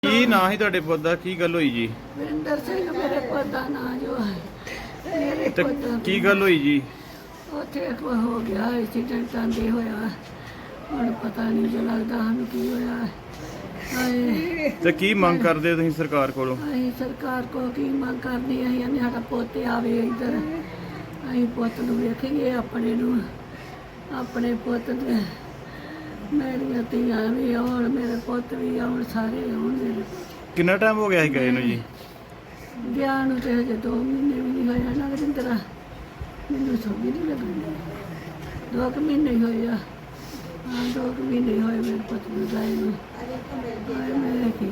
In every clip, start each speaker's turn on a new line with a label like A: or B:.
A: ਕੀ ਨਾਂ ਸੀ ਤੁਹਾਡੇ ਪੁੱਤ ਦਾ? ਕੀ ਗੱਲ ਹੋਈ ਜੀ?
B: ਵਰਿੰਦਰ ਸਿੰਘ ਮੇਰੇ ਪੁੱਤ ਦਾ ਨਾਂ ਜੋ ਹੈ। ਮੇਰੇ
A: ਤੇ
B: ਪੁੱਤ
A: ਕੀ ਗੱਲ ਹੋਈ ਜੀ?
B: ਉੱਥੇ ਕੋਈ ਹੋ ਗਿਆ ਐਕਸੀਡੈਂਟ ਆਂਦੇ ਹੋਇਆ। ਹੁਣ ਪਤਾ ਨਹੀਂ ਜੋ ਲੱਗਦਾ ਸਾਨੂੰ ਕੀ ਹੋਇਆ। ਹਾਏ
A: ਤੇ ਕੀ ਮੰਗ ਕਰਦੇ ਹੋ ਤੁਸੀਂ ਸਰਕਾਰ ਕੋਲੋਂ?
B: ਅਸੀਂ ਸਰਕਾਰ ਕੋ ਕੀ ਮੰਗ ਕਰਨੀ ਅਸੀਂ ਕਹਿੰਦੇ ਸਾਡਾ ਪੁੱਤ ਆਵੇ ਇੱਧਰ। ਅਸੀਂ ਪੁੱਤ ਨੂੰ ਵੇਖੀਏ ਆਪਣੇ ਪੁੱਤ ਦੇ। ਮੇਰੀਆਂ ਧੀਆਂ ਵੀ ਆਉਣ, ਮੇਰੇ ਪੁੱਤ ਵੀ ਆਉਣ, ਸਾਰੇ ਆਉਣ ਮੇਰੇ।
A: ਕਿੰਨਾ ਟਾਈਮ ਹੋ ਗਿਆ ਸੀ ਗਏ ਨੂੰ ਜੀ?
B: ਵਿਆਹ ਨੂੰ ਤੇ ਹਜੇ 2 ਮਹੀਨੇ ਵੀ ਨਹੀਂ ਹੋਇਆ ਨਾ ਵਰਿੰਦਰਾ। ਮੈਨੂੰ ਸਮਝ ਨਹੀਂ ਲੱਗਦੀ। 2 ਮਹੀਨੇ ਹੀ ਹੋਏ ਆ। ਹਾਂ 2 ਮਹੀਨੇ ਹੋਏ ਮੇਰੇ ਪੁੱਤ ਨੂੰ ਗਏ ਨੂੰ। ਮੈਂ ਕੀ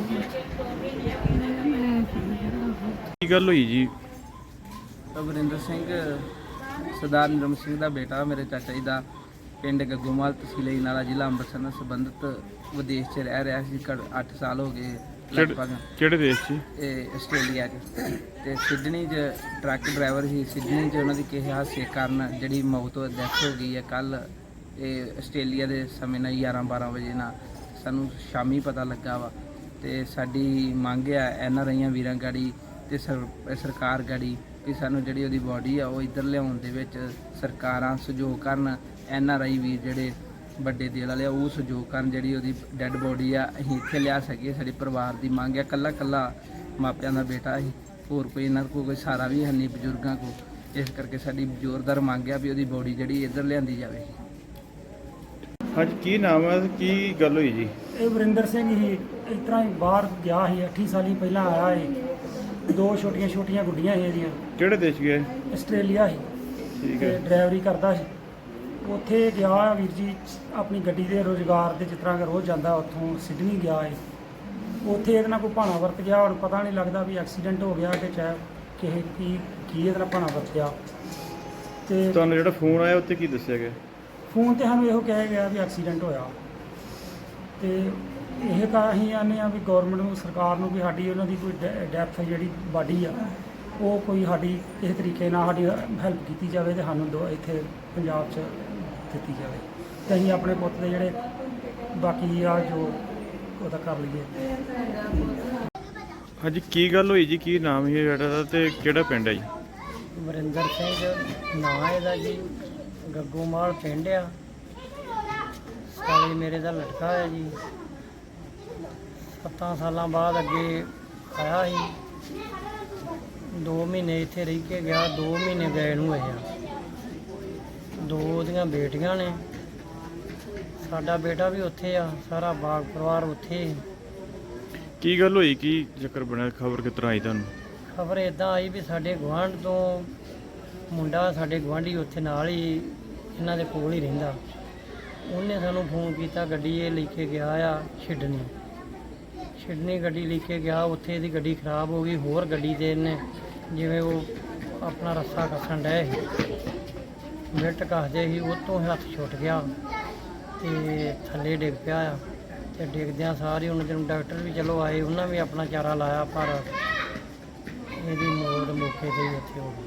A: ਕੀ ਗੱਲ ਹੋਈ ਜੀ?
C: ਵਰਿੰਦਰ ਸਿੰਘ ਸਰਦਾਰ ਨਿਰਮ ਸਿੰਘ ਦਾ ਬੇਟਾ, ਮੇਰੇ ਚਾਚਾ ਜੀ ਦਾ, ਪਿੰਡ ਗੱਗੋਮਾਲ, ਤਹਿਸੀਲ ਅਜਨਾਲਾ, ਜ਼ਿਲ੍ਹਾ ਅੰਮ੍ਰਿਤਸਰ ਨਾਲ ਸੰਬੰਧਿਤ ਵਿਦੇਸ਼ 'ਚ ਰਹਿ ਰਿਹਾ ਸੀ। 8 ਸਾਲ ਹੋ ਗਏ ਲਗਭਗ।
A: ਕਿਹੜੇ ਦੇਸ਼ 'ਚ?
C: ਇਹ ਆਸਟ੍ਰੇਲੀਆ 'ਚ। ਤੇ ਸਿਡਨੀ 'ਚ ਟਰੱਕ ਡਰਾਈਵਰ ਸੀ। ਸਿਡਨੀ 'ਚ ਉਹਨਾਂ ਦੀ ਕਿਸੇ ਹਾਦਸੇ ਕਾਰਨ ਜਿਹੜੀ ਮੌਤ ਡੈਥ ਹੋ ਗਈ ਹੈ ਕੱਲ। ਇਹ ਆਸਟ੍ਰੇਲੀਆ ਦੇ ਸਮੇਂ ਨਾਲ 11-12 ਵਜੇ ਨਾਲ ਸਾਨੂੰ ਸ਼ਾਮੀ ਪਤਾ ਲੱਗਾ ਵਾ। ਤੇ ਸਾਡੀ ਮੰਗ ਆ NRI ਵੀਰਾਂ ਗਾੜੀ ਤੇ ਸਰਕਾਰ ਗਾੜੀ ਕਿ ਸਾਨੂੰ ਜਿਹੜੀ ਉਹਦੀ ਬਾਡੀ ਆ ਉਹ ਇੱਧਰ ਲਿਆਉਣ ਦੇ ਵਿੱਚ ਸਰਕਾਰਾਂ ਸਹਿਯੋਗ ਕਰਨ। NRI ਵੀਰ ਜਿਹੜੇ ਵੱਡੇ ਦਿਲ ਵਾਲੇ ਆ ਉਹ ਸਹਿਯੋਗ ਕਰਨ, ਜਿਹੜੀ ਉਹਦੀ ਡੈੱਡ ਬੋਡੀ ਆ ਅਸੀਂ ਇੱਥੇ ਲਿਆ ਸਕੀਏ। ਸਾਡੇ ਪਰਿਵਾਰ ਦੀ ਮੰਗ ਆ। ਕੱਲਾ ਮਾਪਿਆਂ ਦਾ ਬੇਟਾ ਸੀ, ਹੋਰ ਕੋਈ ਇਹਨਾਂ ਕੋਲ ਕੋਈ ਸਹਾਰਾ ਵੀ ਹੈ ਨਹੀਂ ਬਜ਼ੁਰਗਾਂ ਕੋਲ। ਇਸ ਕਰਕੇ ਸਾਡੀ ਜ਼ੋਰਦਾਰ ਮੰਗ ਆ ਵੀ ਉਹਦੀ ਬੋਡੀ ਜਿਹੜੀ ਇੱਧਰ ਲਿਆਂਦੀ ਜਾਵੇ।
A: ਹਾਂਜੀ, ਕੀ ਨਾਮ ਹੈ? ਕੀ ਗੱਲ ਹੋਈ ਜੀ?
D: ਇਹ ਵਰਿੰਦਰ ਸਿੰਘ ਹੀ ਇਸ ਤਰ੍ਹਾਂ ਹੀ ਬਾਹਰ ਗਿਆ ਸੀ। 8 ਸਾਲ ਪਹਿਲਾਂ ਆਇਆ ਸੀ। 2 ਛੋਟੀਆਂ ਗੁੱਡੀਆਂ ਸੀ ਇਹਦੀਆਂ।
A: ਕਿਹੜੇ ਦੇਸ਼ ਗਏ?
D: ਆਸਟ੍ਰੇਲੀਆ ਸੀ।
A: ਠੀਕ
D: ਤੇ
A: ਹੈ।
D: ਡਰਾਈਵਰੀ ਕਰਦਾ ਸੀ। ਉੱਥੇ ਗਿਆ ਵੀਰ ਜੀ ਆਪਣੀ ਗੱਡੀ ਦੇ ਰੁਜ਼ਗਾਰ ਦੇ, ਜਿਸ ਤਰ੍ਹਾਂ ਕਿ ਰੋਜ਼ ਜਾਂਦਾ। ਉੱਥੋਂ ਸਿਡਨੀ ਗਿਆ ਹੈ। ਉੱਥੇ ਇਹਦੇ ਨਾਲ ਕੋਈ ਭਾਣਾ ਵਰਤ ਗਿਆ। ਹੁਣ ਪਤਾ ਨਹੀਂ ਲੱਗਦਾ ਵੀ ਐਕਸੀਡੈਂਟ ਹੋ ਗਿਆ ਕਿ ਚਾਹੇ ਕਿਸੇ ਕੀ ਇਹਦੇ ਨਾਲ ਭਾਣਾ ਵਰਤਿਆ। ਤੇ
A: ਤੁਹਾਨੂੰ ਜਿਹੜਾ ਫੋਨ ਆਇਆ ਉੱਤੇ ਕੀ ਦੱਸਿਆ ਗਿਆ?
D: ਫੋਨ ਤੇ ਸਾਨੂੰ ਇਹੋ ਕਿਹਾ ਗਿਆ ਵੀ ਐਕਸੀਡੈਂਟ ਹੋਇਆ। ਤੇ ਇਹ ਤਾਂ ਅਸੀਂ ਆਨੇ ਆ ਵੀ ਗੌਰਮੈਂਟ ਨੂੰ, ਸਰਕਾਰ ਨੂੰ, ਵੀ ਸਾਡੀ ਉਹਨਾਂ ਦੀ ਕੋਈ ਡੈਥ ਜਿਹੜੀ ਬਾਡੀ ਆ ਉਹ ਕੋਈ ਸਾਡੀ ਕਿਸੇ ਤਰੀਕੇ ਨਾਲ ਸਾਡੀ ਹੈਲਪ ਕੀਤੀ ਜਾਵੇ ਤੇ ਸਾਨੂੰ ਇੱਥੇ ਪੰਜਾਬ 'ਚ ਦਿੱਤੀ ਜਾਵੇ ਤੇ ਅਸੀਂ ਆਪਣੇ ਪੁੱਤ ਦੇ ਜਿਹੜੇ ਬਾਕੀ ਆ ਜੋ ਉਹਦਾ ਕਰ ਲਈਏ।
A: ਹਾਂਜੀ, ਕੀ ਗੱਲ ਹੋਈ ਜੀ? ਕੀ ਨਾਮ ਹੈ ਬੇਟਾ ਦਾ ਤੇ ਕਿਹੜਾ ਪਿੰਡ ਹੈ ਜੀ?
D: ਵਰਿੰਦਰ ਸਿੰਘ ਨਾਂ ਇਹਦਾ ਜੀ। ਗੱਗੋਮਾਲ ਪਿੰਡ ਆ। ਸਾਲੇ ਮੇਰੇ ਦਾ ਲਟਕਾ ਹੈ ਜੀ। 7 ਸਾਲਾਂ ਬਾਅਦ ਅੱਗੇ ਆਇਆ ਸੀ। 2 ਮਹੀਨੇ ਇੱਥੇ ਰਹਿ ਕੇ ਗਿਆ। 2 ਮਹੀਨੇ ਗਏ ਨੂੰ ਹੋਏ ਆ। 2 ਉਹਦੀਆਂ ਬੇਟੀਆਂ ਨੇ। ਸਾਡਾ ਬੇਟਾ ਵੀ ਉੱਥੇ ਆ। ਸਾਰਾ ਬਾਗ ਪਰਿਵਾਰ ਉੱਥੇ।
A: ਕੀ ਗੱਲ ਹੋਈ? ਕੀ ਚੱਕਰ ਬਣਿਆ? ਖਬਰ ਕਿਸ ਤਰ੍ਹਾਂ ਆਈ ਤੁਹਾਨੂੰ?
D: ਖਬਰ ਇੱਦਾਂ ਆਈ ਵੀ ਸਾਡੇ ਗੁਆਂਢ ਤੋਂ ਮੁੰਡਾ, ਸਾਡੇ ਗੁਆਂਢੀ ਉੱਥੇ ਨਾਲ ਹੀ ਇਹਨਾਂ ਦੇ ਕੋਲ ਹੀ ਰਹਿੰਦਾ। ਉਹਨੇ ਸਾਨੂੰ ਫੋਨ ਕੀਤਾ। ਗੱਡੀ ਇਹ ਲੈ ਕੇ ਗਿਆ ਆ ਸਿਡਨੀ ਗੱਡੀ ਲੈ ਕੇ ਗਿਆ। ਉੱਥੇ ਇਹਦੀ ਗੱਡੀ ਖਰਾਬ ਹੋ ਗਈ। ਹੋਰ ਗੱਡੀ ਦੇ ਇਹਨੇ ਜਿਵੇਂ ਉਹ ਆਪਣਾ ਰੱਸਾ ਕੱਸਣ ਡਏ ਸੀ, ਮਿੰਟ ਕੱਸਦੇ ਸੀ, ਉਹ ਤੋਂ ਹੱਥ ਛੁੱਟ ਗਿਆ ਤੇ ਥੱਲੇ ਡਿੱਗ ਪਿਆ ਆ। ਤੇ ਡਿੱਗਦਿਆਂ ਸਾਰੇ ਉਹਨਾਂ ਦਿਨ ਡਾਕਟਰ ਵੀ ਚਲੋ ਆਏ, ਉਹਨਾਂ ਵੀ ਆਪਣਾ ਚਾਰਾ ਲਾਇਆ, ਪਰ ਇਹਦੀ ਮੌਤ ਮੌਕੇ 'ਤੇ ਹੀ ਉੱਥੇ ਹੋ ਗਈ।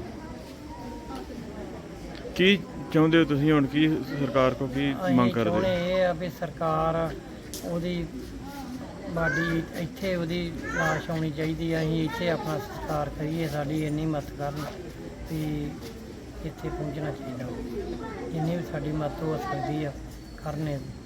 A: ਕੀ ਚਾਹੁੰਦੇ ਹੋ ਤੁਸੀਂ ਹੁਣ? ਕੀ ਸਰਕਾਰ ਕੋਲ ਕੀ ਮੰਗ ਕਰਦੇ?
D: ਚਾਹੁੰਦੇ ਇਹ ਆ ਵੀ ਸਰਕਾਰ ਉਹਦੀ ਬਾਡੀ ਇੱਥੇ, ਉਹਦੀ ਲਾਸ਼ ਆਉਣੀ ਚਾਹੀਦੀ ਆ। ਅਸੀਂ ਇੱਥੇ ਆਪਣਾ ਸਤਿਕਾਰ ਕਰੀਏ। ਸਾਡੀ ਇੰਨੀ ਮਦਦ ਕਰਨ ਵੀ ਇੱਥੇ ਪਹੁੰਚਣਾ ਚਾਹੀਦਾ। ਜਿੰਨੀ ਵੀ ਸਾਡੀ ਮਦਦ ਹੋ ਸਕਦੀ ਆ ਕਰਨੇ।